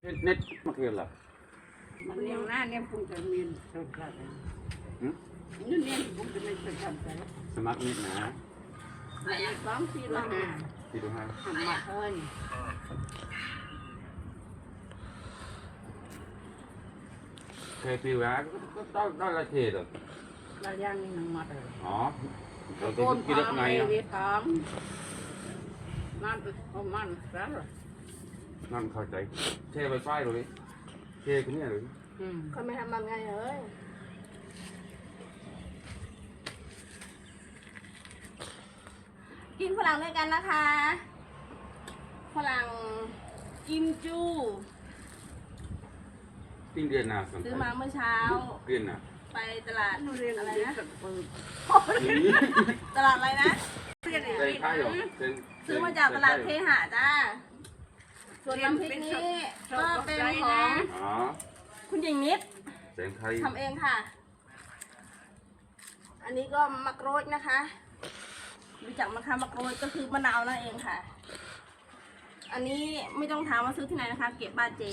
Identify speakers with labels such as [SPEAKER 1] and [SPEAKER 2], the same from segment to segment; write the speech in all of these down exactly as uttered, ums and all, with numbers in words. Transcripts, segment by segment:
[SPEAKER 1] เน็ตมาเทียนหรอ
[SPEAKER 2] มันเลี้ยงหน้าเนี่ยพุ่งจะมีนสดครับนี่เนี่ยพุ่งจะไม่สดครับ
[SPEAKER 1] สมัครนิดนะ
[SPEAKER 2] ไอ้สองสี่ละห้า
[SPEAKER 1] สี่ละห้า
[SPEAKER 2] ทำมาเท่านี้
[SPEAKER 1] เคยปีว่าก็ต้องต้องละเทศหรอ
[SPEAKER 2] ละย่างนี่หนังมัดเลย
[SPEAKER 1] อ๋อเราจะกินได้ไงอ่ะ
[SPEAKER 2] นั่นประมาณนั้นหรอ
[SPEAKER 1] นั่นเข้าใจเทไปไฟเลยเทกันเนี่ยเลย
[SPEAKER 3] เขาไม่ทำมันไงเอ้ยกินฝรั่งด้วยกันนะคะฝรั่งกิมจู
[SPEAKER 1] ติ้งเดือนหน้าสนใจ
[SPEAKER 3] ซื้อมาเมื่อเช้า
[SPEAKER 1] เดือนหน้า
[SPEAKER 3] ไปตลาดอะไรนะตลาดอะไรนะ
[SPEAKER 1] ใส่ข้าวหรอ
[SPEAKER 3] ซื้อมาจากตลาดเทหะจ้าส่วนน้ำพริกนี้ก็เป็นของคุณหญิงนิดทำเองค่ะอันนี้ก็มะกรูดนะคะรู้จักมะขามมะกรูดก็คือมะนาวนั่นเองค่ะอันนี้ไม่ต้องถามว่าซื้อที่ไหนนะคะเก็บบ้านเจ๊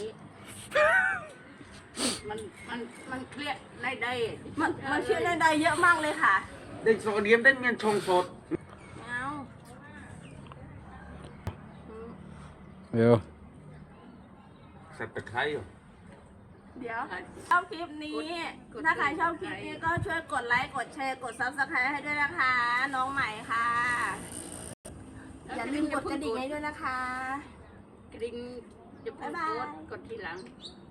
[SPEAKER 2] มันมันมันเครียดได้ได้
[SPEAKER 3] มันมันเชื่อได้ได้เยอะมากเลยค่ะ
[SPEAKER 1] เด็กโซเดียมได้เงินชงสด
[SPEAKER 3] เอา
[SPEAKER 1] เดี๋ยวใส่ตะไคร้
[SPEAKER 3] เดี๋ยวชอบคลิปนี้ถ้าใครชอบคลิปนี้ก็ช่วยกดไลค์กดแชร์กดซับสไครต์ให้ด้วยนะคะน้องใหม่ค่ะอย่าลืมกดกระดิ่งให้ด้วยนะคะ
[SPEAKER 2] กระดิ่งจะพูดกดทีหลัง